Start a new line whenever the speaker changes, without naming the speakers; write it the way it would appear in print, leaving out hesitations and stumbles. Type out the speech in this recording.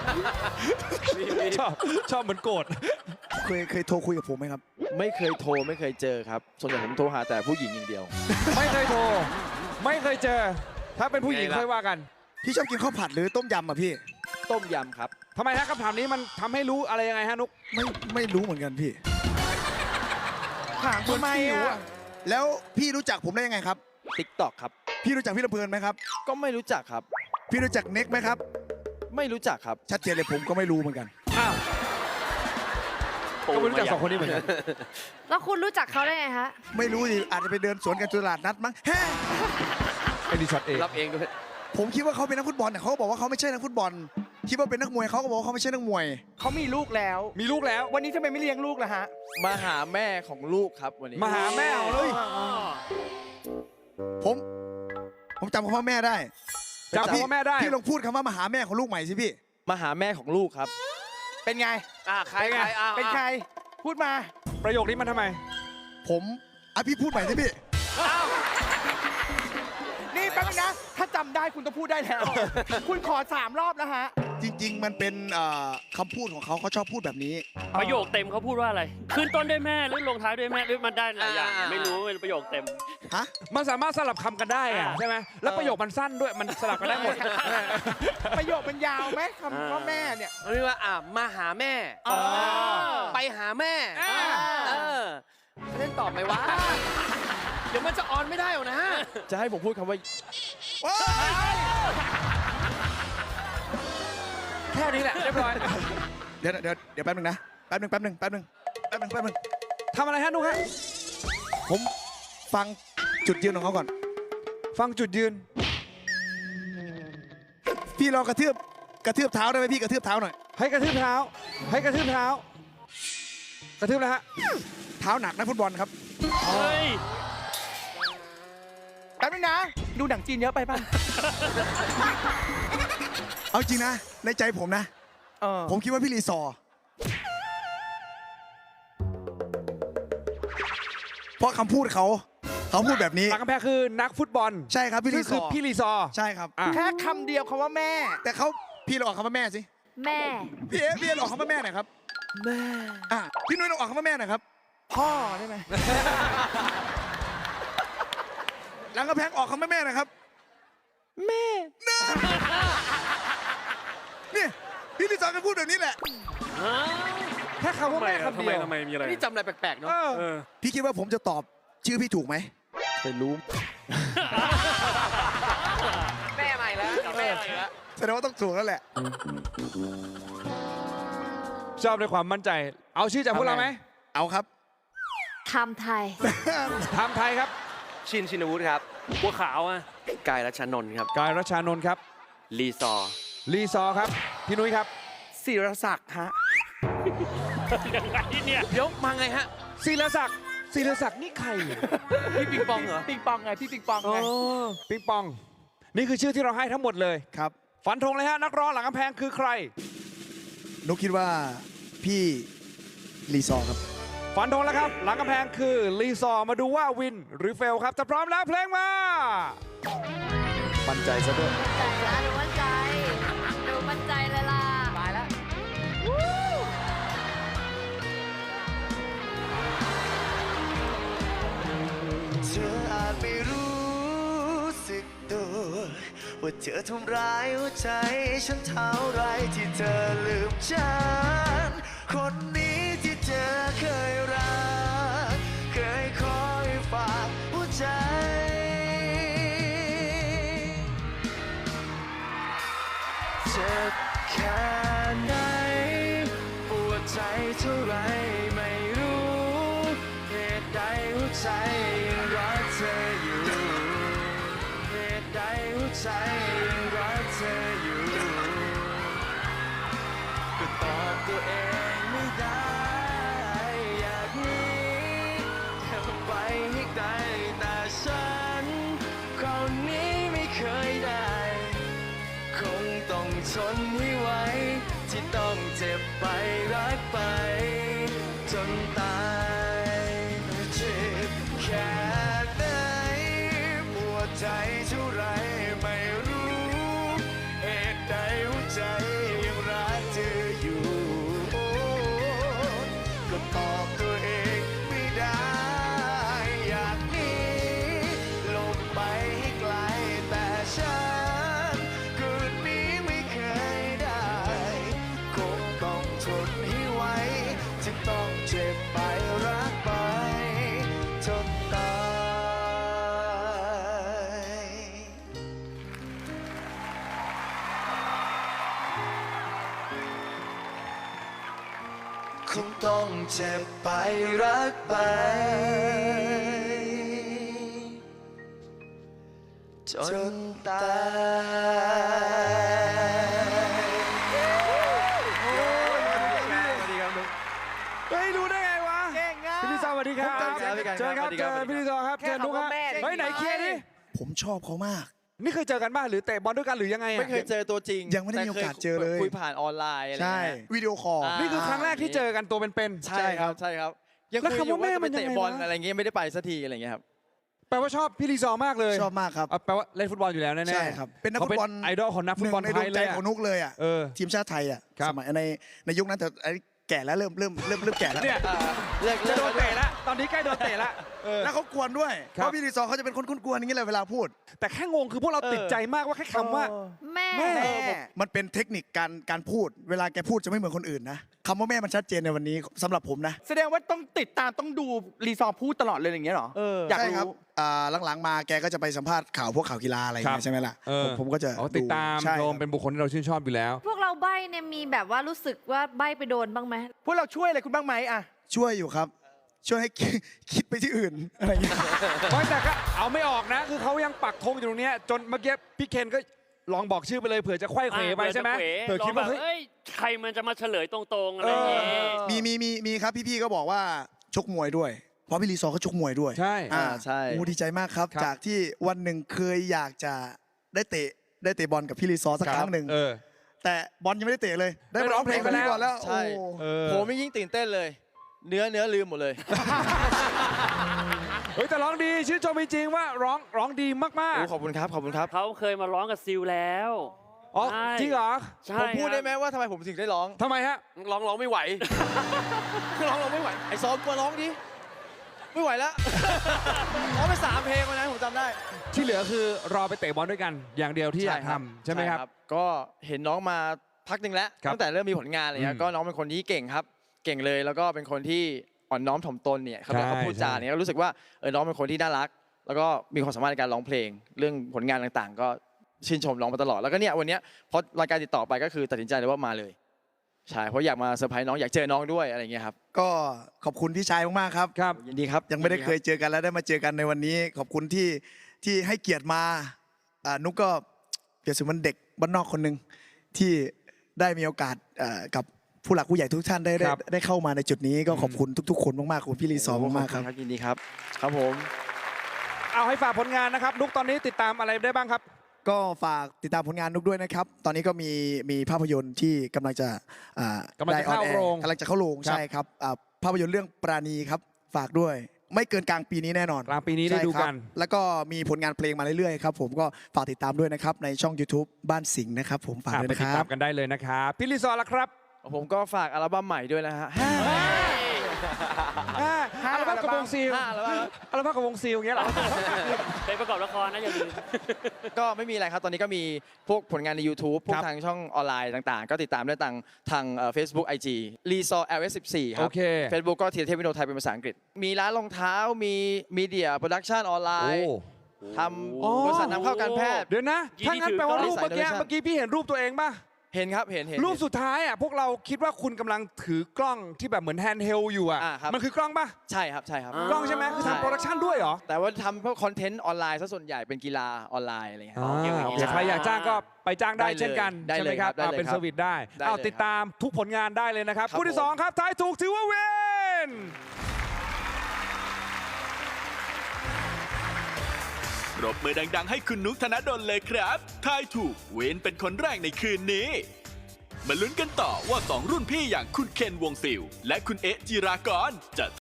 ชอบเหมือนโกรธ
เคยโทรคุยกับผมไหมครับ
ไม่เคยโทรไม่เคยเจอครับส่วนใหญ่ผมโทรหาแต่ผู้หญิงอย่างเดียว
ไม่เคยโทร ไม่เคยเจอ ถ้าเป็นผู้หญิงค่อยว่ากัน
พี่ชอบกินข้าวผัดหรือต้มยำอ่ะพี่
ต้มยำครับ
ทำไมฮะคำถามนี้มันทำให้รู้อะไรยังไงฮะนุก
ไม่รู้เหมือนกันพี่
ถามทำไมอ่ะ
แล้วพี่รู้จักผมได้ยังไงครับ
TikTok ครับ
พี่รู้จักพี่ลำเพลินไหมครับ
ก็ไม่รู้จักครับ
พี่รู้จักเน็กไหมครับ
ไม่รู้จักครับ
ชัดเจนเลยผมก็ไม่รู้เหมือนกัน
อ้าวก็ไม่รู้จักสองคนนี้เหมือนกัน
แล้วคุณรู้จักเขาได้ไงฮะ
ไม่รู้ดิอาจจะไปเดินสวนกันตลาดนัดมั้งแฮ่
ไอ้ดีช็อตเอง
รับเองด้วย
ผมคิดว่าเขาเป็นนักฟุตบอลแต่เขาบอกว่าเขาไม่ใช่นักฟุตบอล คิดว่าเป็นนักมวยเขาก็บอกว่าเขาไม่ใช่นักมวย
เขามีลูกแล้ว
มีลูกแล้ว
วันนี้ทำไมไม่เลี้ยงลูกล่ะฮะ
มาหาแม่ของลูกครับวันนี้
มาหาแม่ของลูก
ผมจำคำว่าแม่ได้
จำคำว่าแม่ได้
พี่ลองพูดคำว่ามาหาแม่ของลูกใหม่สิพี่
มาหาแม่ของลูกครับ
เป็นไง
ใครอ่ะ
เป็นใคร พูดมา
ประโยคนี้มันทำไม
ผมพี่พูดใหม่สิพี่
นี่แป๊บนึงนะ ถ้าจำได้คุณต้องพูดได้แล้ว คุณขอ3 รอบแล้วฮะ
จริง ๆ มันเป็นคำพูดของเขาชอบพูดแบบนี้
ประโยคเต็มเขาพูดว่าอะไร ขึ้นต้นด้วยแม่หรือลงท้ายด้วยแม่หรือมันได้หลายอย่าง
อ่า
ไม่รู้เป็นประโยคเต็ม
ฮะ
มันสามารถสลับคำกันได้อะใช่ไหมแล้วประโยคมันสั้นด้วย มันสลับกันได้หมด
ประโยคมันยาวไหมคำว่าแม่เนี่ย
เรียกว่ามาหาแม่ ไปหาแม่ เล่นตอบไหมวะ เดี๋ยวมันจะออนไม่ได้หรอกนะ จะให้ผมพูดคำว่า
แค่นี้แหละเรียบร้อย
เดี๋ยวแป๊บนึงนะ แป๊บนึง
ทำอะไรฮะนุกฮะ
ผมฟังจุดยืนของเขาก่อน
ฟังจุดยืน
พี่ลองกระทืบเท้าได้ไหมพี่กระทืบเท้าหน่อย
ให้กระทืบเท้า ให้กระทืบเท้า กระทืบแล้วฮะ
เท้าหนักนักฟุตบอลครับ
เฮ้ย
แป๊บนึงนะ ดูหนังจีนเยอะไปป่ะ
เอาจริงนะ ในใจผมนะ ผมคิดว่าพี่รีซอร์เพราะคำพูดเขาพูดแบบนี้
หลังกำแพงคือนักฟุตบอล
ใช่ครับพี่รีซ
คือ
อร์
พี่รีซอร์
ใช่ครับ
อ่ะ
แค่คำเดียวคำว่าแม่
แต่พี่ลองออกคำว่าแม่สิ
แม่
พี่ลองออกคำว่าแม่หน่อยครับ
แม่
พี่นุ้ยลองออกคำว่าแม่หน่อยครับ
พ่อได้ไหม
หลังกระแพงออกคำว่าแม่หน่อยครับ
แม่
นี่พี่รีซอร์ก็พูดแบบนี้แหละ
แค่คำว่าแม่คำเดียว
ทำไมมีอะไร
นี่จำอะไรแปลกๆเนาะ
พี่คิดว่าผมจะตอบชื่อพี่ถูกไหม
ไปรู้ แม่ใหม่แล้วแม่ใหม่แล้ว
แสดงว่าต้องถูกแล้วแหละ
ชอบในความมั่นใจ เอาชื่อจากพวกเราไหม
เอาครับ
ไทม์ไทย
ทำไทยครับ
ชินวุฒิครับ
บัวขาวอ่ะ
กายรัชนนท์ครับ
กายรัชานนท์ครับ
ลีซอร์
รีซอร์ครับ พี่นุ้ยครับ
ศิรศักดิ์ฮะ
ยังไงเนี่ย
เดี๋ยวมาไงฮะ
ศิรศักดิ์ศิรศักดิ์นี่ใคร
พี่ปิงปองเหรอ
ปิงปองไง พี่ปิงปองไง
ปิงปอง นี่คือชื่อที่เราให้ทั้งหมดเลย
ครับ
ฝันธงเลยฮะ นักร้องหลังกำแพงคือใคร
นุกคิดว่าพี่รีซอร์ครับ
ฝันธงแล้วครับ หลังกำแพงคือรีซอร์มาดูว่าวินหรือเฟลครับจะพร้อมแล้วเพลงมา
มั่นใจซะด้วย
ใจละดูมั่นใจ ดูมั่นใจเลยล่ะ
ตายแล้ว
เธออาจไม่รู้สึกตัวว่าเธอทำร้ายหัวใจฉันเท่าไรที่เธอลืมฉันคนนี้ที่เธอเคยรักเคยคอยฝากหัวใจเจ็บแค่ไหนปวดใจเท่าไรไม่รู้เหตุใดหัวใจยังรักเธออยู่เหตุใดหัวใจยังรักเธออยู่ก็ตอบตัวเองไม่ได้อยากหนีแค่ไปให้ไกลแต่ฉันคนนี้ไม่เคยได้ คงต้องทนให้ไหวที่ต้องเจ็บไปรักไปจนตายเจ็บแค่ไหนปวดใจเท่าไรไม่รู้เหตุใดหัวใจยังรักคงต้องเจ็บไปรักไปจนตาย
เฮ้ยรู้ได้ไงวะ
เก่งอ่ะ
พี่ลีซอร์สวัสดีครับ
ครับพี่กัน
เจอครับ
สวัสดี
เจ
ครับ
อพี่ลีซอร์ครับ
แค่
เจอนุกครับ
คำว่าแม่
เฮ้ยไหนเคลียร์ดิ
ผมชอบเขามาก
นี่เคยเจอกันบ้างหรือเตะบอลด้วยกันหรือยังไงอะ
ไม่เคยเจอตัวจริง
ยังไม่ได้มีโอกาสเจอเลย
คุยผ่านออนไลน์อะไร
ใช่
เงี้ย
วิดีโอคอล
นี่คือครั้งแรกที่เจอกันตัวเป็น
ใช่ครับใช่ครับยัง
แล้ว
คุยอยู่
คำว่าแม่
ว่าจะ
มั
ไป
นยังไง
เตะบอล
วะ
อะไรเงี้ยไม่ได้ไปสักทีอะไรเงี้ยครับ
ๆแปลว่าชอบพี่ลีซอร์มากเลย
ชอบมากครับ
แปลว่าเล่นฟุตบอลอยู่แล้วแน่ๆ
ใช่ครับเป็นนักฟุตบอล
เขาไอดอลของนักฟุตบอล
หนึ่ง
ไท
ในดวย ง
เล
ใจ
ยอะ
ของนุกเลยอ่ะ
เออ
ทีมชาติไทยอ่ะ
ครับ
สมัยในยุคนั้นแต่ไอ้แก่แล้วเริ่มแก่แล้ว
เนี่ย
เลิก
จะโดนเตะละตอนนี้ใกล้โดนเตะละเออ
แล้วเขากวนด้วย
ครับ
เพราะพี่รีซอร์เขาจะเป็นคนกวนๆอย่างนี้เลยเวลาพูด
แต่แค่งงคือพวกเราติดใจมากว่าแค่คำว่า
แม่
แม่
มันเป็นเทคนิคการพูด เวลาแกพูดจะไม่เหมือนคนอื่นนะคำว่าแม่มันชัดเจนในวันนี้สำหรับผมนะ
แสดงว่าต้องติดตามต้องดูรีซอร์พูดตลอดเลยอย่างเงี้ยเหรอ อยาก
ใช่ครับ
รู้
หลังๆมาแกก็จะไปสัมภาษณ์ข่าวพวกข่าวกีฬาอะไรอย่าง
ครั
เงี้
บ
ยใช่ไหมล่ะ
เออ
ผมก็จะ
อ๋อติดตาม
ใช่
ช
ค
ม
รับ
เป็นบุคคลที่เราชื่นชอบอยู่แล้ว
พวกเราใบ้เนี่ยมีแบบว่ารู้สึกว่าใบ้ไปโดนบ้างไหม
พวกเราช่วยอะไรคุณบ้างไหมอะ
ช่วยอยู่ครับ ช่วยให้ คิดไปที่อื่นอะไรอย่างเงี้ย
ไม่แต่ก็เอาไม่ออกนะ คือเขายังปักธงอยู่ตรงเนี้ยจนเมื่อกี้พี่เคนก็ลองบอกชื่อไปเลยเผื่อจะไขว้เขวไปใช่ไหมเผื่อคิดว่าเฮ้ย
เอ้ยใครมันจะมาเฉลยตรงๆอะไรอย่างเงี้ย
มีครับพี่ๆก็บอกว่าชกมวยด้วย เพราะพี่รีซอร์เขาชกมวยด้วย
ใช่
ใช่
โอ้ดีใจมากครับ
ครับ
จากที่วันหนึ่งเคยอยากจะได้เตะบอลกับพี่รีซอร์สักครั้งหนึ่ง
เออ
แต่บอลยังไม่ได้เตะเลย ได้มาร้องเพลงกับพี่ก่อนแล้ว
ใช่
โอ้
เออ
ผมยิ่งตื่นเต้นเลย เนื้อลืมหมดเลย
เฮ้ยแต่ร้องดีชื่นชมจริงๆว่าร้องดีมาก
โอ้ขอบคุณครับขอบคุณครับ
เขาเคยมาร้องกับซิลแล้ว
ๆอ๋อ
ใช่
จริงเหรอ
ใช่
ผมพูดได้
ครับ
ไหมว่าทำไมผมถึงได้ร้อง
ทำไมฮะ
ร้องไม่ไหว ร้องไม่ไหว
ไอ้ซอมมาร้องดิไม่ไหวแล้ว ร้องไป3 เพลงวันนั้นผมจำได้
ที่เหลือคือรอไปเตะบอลด้วยกัน อย่างเดียวที่อยากทำใช่ไหมครับ
ก็เห็นน้องมาพักหนึ่งแล้ว
ครับ
ตั้งแต่เริ่มมีผลงานอะไรเงี้
อื
ย
ม
ก็น้องเป็นคนที่เก่งครับ เก่งเลยแล้วก็เป็นคนที่อ่อนน้อมถ่อมตนเนี่ยเขา
ใช่
เขาพูดจาเนี่ยก็รู้สึกว่าน้องเป็นคนที่น่ารัก แล้วก็มีความสามารถในการร้องเพลง เรื่องผลงานต่างๆ ก็ชื่นชมน้องมาตลอดแล้วก็เนี่ยวันเนี้ยพอรายการติดต่อไปก็คือตัดสินใจเลยว่ามาเลยใช่เพราะอยากมาเซอร์ไพรส์น้องอยากเจอน้องด้วยอะไรเงี้ยครับ
ก็ขอบคุณพี่ชายมากๆครับ
ครับ
ยินดีครับ
ยังไม่ได้เคยเจอกันแล้วได้มาเจอกันในวันนี้ ขอบคุณที่ให้เกียรติมานุกก็เปรียบเสมือนเด็กบ้านนอกคนหนึ่งที่ได้มีโอกาสกับผู้หลักผู้ใหญ่ทุกท่าน
ครับ
ได้เข้ามาในจุดนี้ก็ขอบคุณทุกๆคนมากๆขอบคุณพี่รีซอร์มากๆครับ
ยินดีครับครับผม
เอาให้ฝากผลงานนะครับนุกตอนนี้ติดตามอะไรได้บ้างครับ
ก็ฝากติดตามผลงานนุกด้วยนะครับ ตอนนี้ก็มีภาพยนตร์ที่กำลังจะได้
เข้า
ออนแอ
โรง
กำลังจะเข้าโรง
ครับ
ใช่ครับภาพยนตร์เรื่องปราณีครับฝากด้วย ไม่เกินกลางปีนี้แน่นอน
กลางปีนี้ได้ดูกัน
ใช่ครับแล้วก็มีผลงานเพลงมาเรื่อยๆครับผมก็ฝากติดตามด้วยนะครับในช่อง YouTube บ้านสิงห์นะครับผมฝากด้วย
ไป
นะ
ติ
ค
ด
รั
ตา
บ
มกันได้เลยนะครับพี่ลีซอร์ล่ะครับ
ผมก็ฝากอัลบั้มใหม่ด้วยนะฮะ
อัลบั้มกับวงซิล
5 อัลบั้ม
อัลบั้มกับวงซิลอย่างเงี้ยเหรอ
ไปประกอบละครนะอย่าลืม
ก็ไม่มีอะไรครับ ตอนนี้ก็มีพวกผลงานใน YouTube พว
ค
ก
รับ
ทางช่องออนไลน์ต่างๆ ก็ติดตามได้ทางFacebook IG รีซอ LS14 ครั
โอเค
Facebook ก็ธีรเทพวิโนไทยเป็นภาษาอังกฤษ มีร้านรองเท้ามีมีเดียโปรดักชันออนไล
โอ้
น์ทำบริษัทนำเข้าการแพทย์
เดี๋ยวนะ
กี่
ถ้างั้น
ที่ถือ
แปลว่า
ก็
รูปเมื่อกี้
Design Innovation
เมื่อกี้พี่เห็นรูปตัวเองป่ะ
เห็นครับเห็น
รูปสุดท้ายอ่ะพวกเราคิดว่าคุณกำลังถือกล้องที่แบบเหมือนแฮนด์เฮลอยู่อ่ะ
ครับ
มันคือกล้องป่ะ
ใช่ครับใช่ครับ
อ่า
กล้องใช่ไหมคือทำโปรดักชันด้วยเหรอ
แต่ว่าทำพวกคอนเทนต์ออนไลน์ซะส่วนใหญ่เป็นกีฬาออนไลน์อะไรอย่างเงี้ย
โอเค
โอเค
ใครอยากจ้างก็ไปจ้างได้
ได้เลย
เช่นกัน
ได้
ใช่
เล
ไหม
ย
ครับ
ได้เลย
เป็น
ครับ
เซอร์วิสได้
ได้
เอา
เลย
ติดตามทุกผลงานได้เลยนะครับ
ครับ
คู่ที่
ผม
สองครับทายถูกถือว่าเวน
ปรบมือดังๆให้คุณนุกธนดลเลยครับทายถูกเวนเป็นคนแรกในคืนนี้ มาลุ้นกันต่อว่า 2 รุ่นพี่อย่างคุณเคนวงศิลป์และคุณเอ๊ะจิรากรจะ